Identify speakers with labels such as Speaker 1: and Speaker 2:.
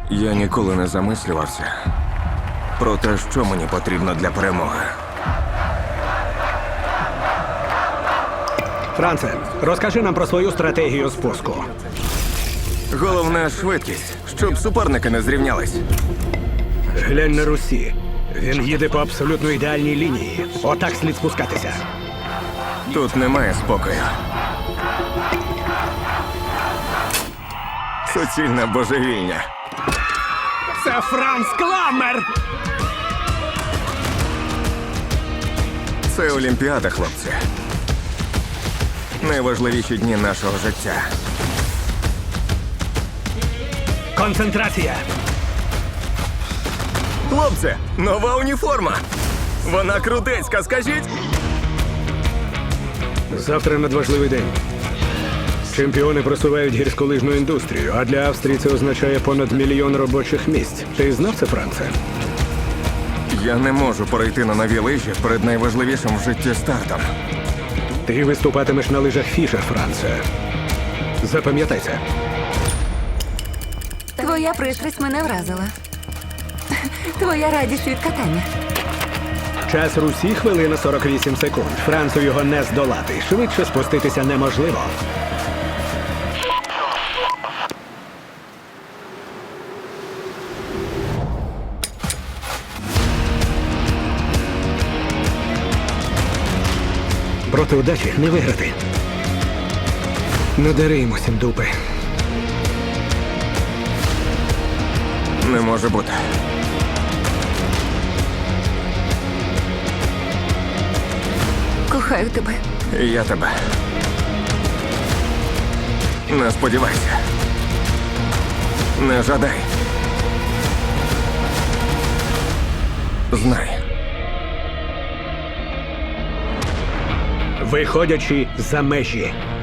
Speaker 1: Я ніколи не замислювався про те, що мені потрібно для перемоги.
Speaker 2: Франце, розкажи нам про свою стратегію спуску.
Speaker 1: Головне – швидкість, щоб суперники не зрівнялись.
Speaker 2: Глянь на Русі. Він їде по абсолютно ідеальній лінії. Отак слід спускатися.
Speaker 1: Тут немає спокою. Суцільне божевільня.
Speaker 2: Це Франц Кламмер!
Speaker 1: Це Олімпіада, хлопці. Найважливіші дні нашого життя.
Speaker 2: Концентрація!
Speaker 1: Хлопці, нова уніформа! Вона крутецька, скажіть!
Speaker 2: Завтра надважливий день. Чемпіони просувають гірськолижну індустрію, а для Австрії це означає понад 1 мільйон робочих місць. Ти знав це, Франце?
Speaker 1: Я не можу перейти на нові лижі перед найважливішим в житті стартом.
Speaker 2: Ти виступатимеш на лижах Фішер, Франце. Запам'ятай це.
Speaker 3: Твоя пристрасть мене вразила. Твоя радість від катання.
Speaker 2: Час Русі – хвилина 48 секунд. Францу його не здолати. Швидше спуститися неможливо. Проти удачі не виграти. Надари йому сім дупи.
Speaker 1: Не може бути.
Speaker 3: Кохаю тебе.
Speaker 1: І я тебе. Не сподівайся. Не жадай. Знай.
Speaker 2: Виходячи за межі.